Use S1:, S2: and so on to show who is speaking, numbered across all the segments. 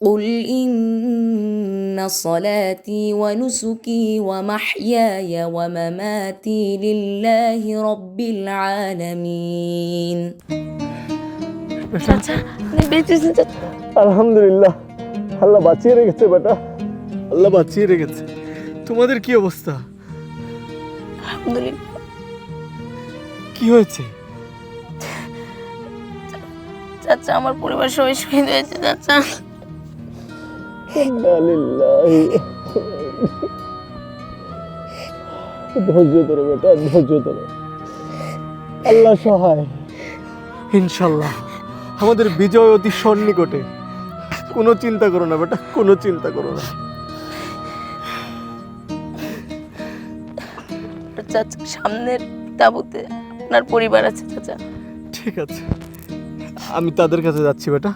S1: قل إن صلاتي ونسكي ومحياي ومماتي لله رب العالمين.
S2: চাচা আপনি বেঁচেছেন চাচা।
S3: আলহামদুলিল্লাহ, আল্লাহ বাঁচিয়ে রেখেছে বেটা, আল্লাহ বাঁচিয়ে রেখেছে। তোমাদের কি অবস্থা?
S2: আলহামদুলিল্লাহ।
S3: কি হয়েছে?
S2: চাচা আমার পরিবার সবাই শহীদ হয়েছে চাচা।
S3: ধৈর্য ধরো বেটা, ধৈর্য ধরো, আল্লাহ সহায়। ইনশাল্লাহ আমাদের বিজয় অতি সন্নিকটে। কোনো চিন্তা করো না বেটা, কোনো চিন্তা করো না।
S2: চাচা সামনের তাঁবুতে আপনার পরিবার আছে চাচা।
S3: ঠিক আছে, আমি তাদের কাছে যাচ্ছি বেটা।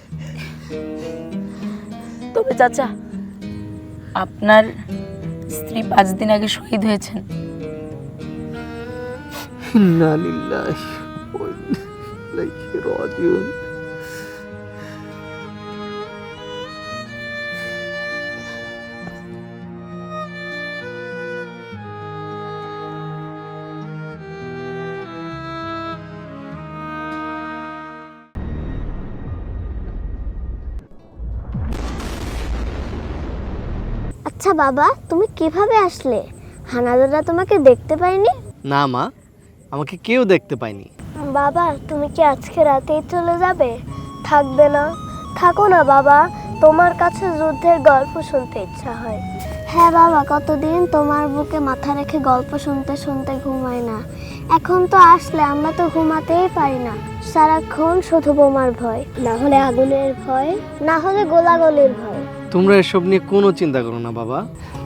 S2: তবে চাচা আপনার স্ত্রী 5 দিন আগে শহীদ হয়েছেন।
S3: ইন্না লিল্লাহি ওয়া ইন্না ইলাইহি রাজিউন।
S4: আচ্ছা বাবা, তুমি কিভাবে আসলে? হানাদাররা তোমাকে দেখতে পায়নি?
S3: না মা, আমাকে কেউ দেখতে পায়নি।
S4: বাবা তুমি কি আজকে রাতেই চলে যাবে? থাকবে না? থাকো না বাবা, তোমার কাছে যুদ্ধের গল্প শুনতে ইচ্ছা হয়। হ্যাঁ বাবা, কতদিন তোমার বুকে মাথা রেখে গল্প শুনতে শুনতে ঘুমাই না। এখন তো আসলে আমরা তো ঘুমাতেই পারি না, সারাক্ষণ শুধু বোমার ভয়, না হলে আগুনের ভয়, না হলে গোলাগুলির ভয়।
S3: তোমরা এসব নিয়ে কোনো চিন্তা করো না বাবা।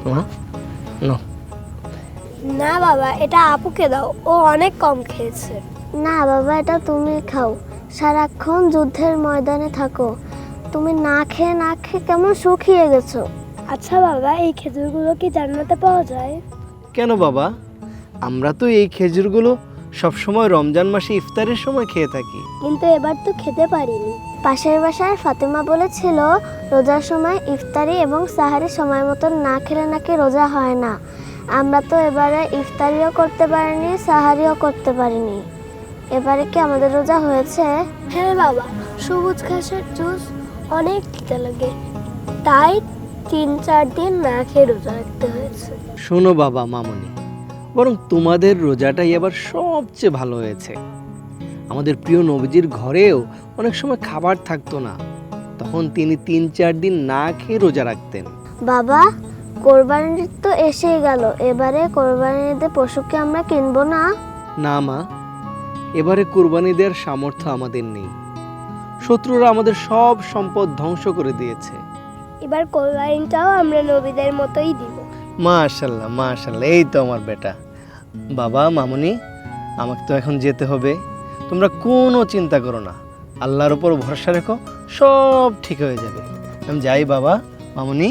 S4: না বাবা, এটা আপুকে দাও, ও অনেক কম খেয়েছে। না বাবা, এটা তুমি খাও, সারাক্ষণ যুদ্ধের ময়দানে থাকো, তুমি না খেয়ে না খেয়ে কেমন শুকিয়ে গেছো। আচ্ছা বাবা, এই খেজুরগুলো কি জান্নাতে পাওয়া যায়?
S3: কেন বাবা, আমরা তো এই খেজুরগুলো সবসময় রমজান মাসে ইফতারের সময় খেয়ে থাকি।
S4: কিন্তু এবার তো খেতে পারিনি। পাশের বাসার ফাতেমা বলেছিল রোজার সময় ইফতারি এবং সাহারি সময় মতন না খেলে নাকি রোজা হয় না। আমরা তো এবারে ইফতারিও করতে পারিনি, সাহারিও করতে পারিনি। এবারে কি আমাদের রোজা হয়েছে? হ্যাঁ বাবা, সবুজ ঘাসের জুস অনেক তিতা লাগে, তাই 3-4 দিন না খেয়ে রোজা রাখতে হয়েছে।
S3: শোনো বাবা মামনি, বরং তোমাদের রোজাটাই এবার সবচেয়ে ভালো হয়েছে। আমাদের প্রিয় নবীজির ঘরেও অনেক সময় খাবার থাকতো না, তখন তিনি 3-4 দিন না খেয়ে রোজা রাখতেন।
S4: বাবা, কোরবানির তো এসেই গেল, এবারে কোরবানির ঈদে পশুকে আমরা কিনবো না?
S3: না মা, এবারে কুরবানি দেওয়ার সামর্থ্য আমাদের নেই। শত্রুরা আমাদের সব সম্পদ ধ্বংস করে দিয়েছে।
S4: এবার কোরবানিটাও আমরা নবীদের মতোই দিব।
S3: মাশাল্লাহ মাশাল্লাহ, এই তো আমার বেটা। বাবা মামনি, আমাকে তো এখন যেতে হবে, তোমরা কোনো চিন্তা করো না, আল্লাহর উপর ভরসা রেখো, সব ঠিক হয়ে যাবে। আমি যাই বাবা মামনি,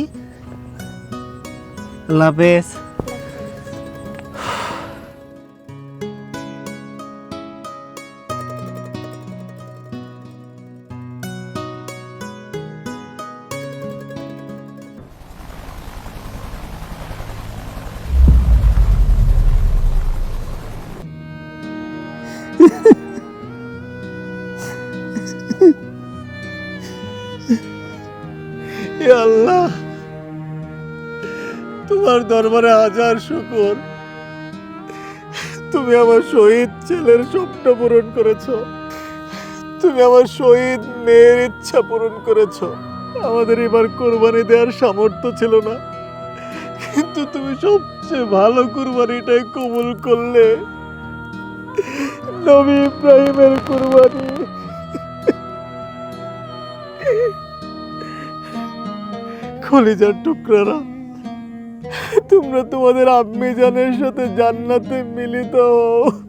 S3: আল্লাহ হাফেজ। হে আল্লাহ, তোমার দরবারে হাজার শুকর, তুমি আমার শহীদ ছেলের স্বপ্ন পূরণ করেছো, তুমি আমার শহীদ মেয়ের ইচ্ছা পূরণ করেছো। আমাদের এবার কোরবানি দেওয়ার সামর্থ্য ছিল না, কিন্তু তুমি সবচেয়ে ভালো কোরবানিটাই কবুল করলে, নবী ইব্রাহিমের কোরবানি। কলিজার টুকরারা, তোমরা তোমাদের আম্মি জানের সাথে জান্নাতে মিলিত হও।